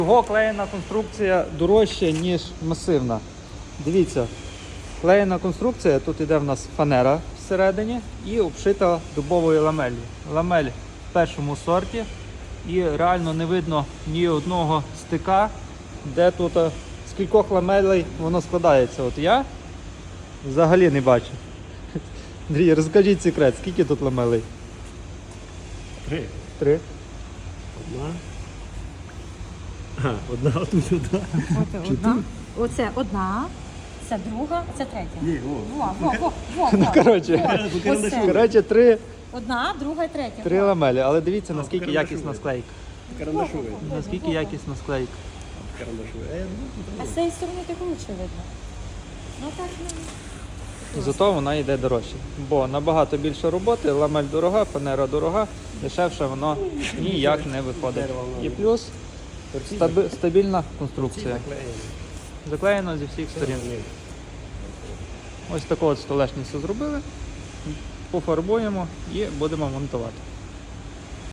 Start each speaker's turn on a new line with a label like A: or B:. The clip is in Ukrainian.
A: Його клеєна конструкція дорожча, ніж масивна. Дивіться, клеєна конструкція, тут іде в нас фанера всередині і обшита дубовою ламеллю. Ламель в першому сорті і реально не видно ні одного стика, де тут з кількох ламелей воно складається. От я взагалі не бачу. Андрій, розкажіть секрет, скільки тут ламелей?
B: 3.
A: 3.
B: Одна, отут одна.
C: Одна. Оце одна, це друга, це третя.
B: Ні,
A: Ну, коротше,
C: Одна, друга і третя.
A: 3 ламелі, але дивіться, наскільки якісна склейка.
B: Карандашовий.
A: Наскільки якісна склейка.
B: Карандашовий.
C: А з цієї сторони так лучше видно. Ну так не.
A: Зато вона йде дорожче. Бо набагато більше роботи, ламель дорога, фанера дорога, дешевше воно ніяк не виходить. І плюс стабільна конструкція. Заклеєно зі всіх сторін. Ось таку от столешницю зробили, пофарбуємо і будемо монтувати.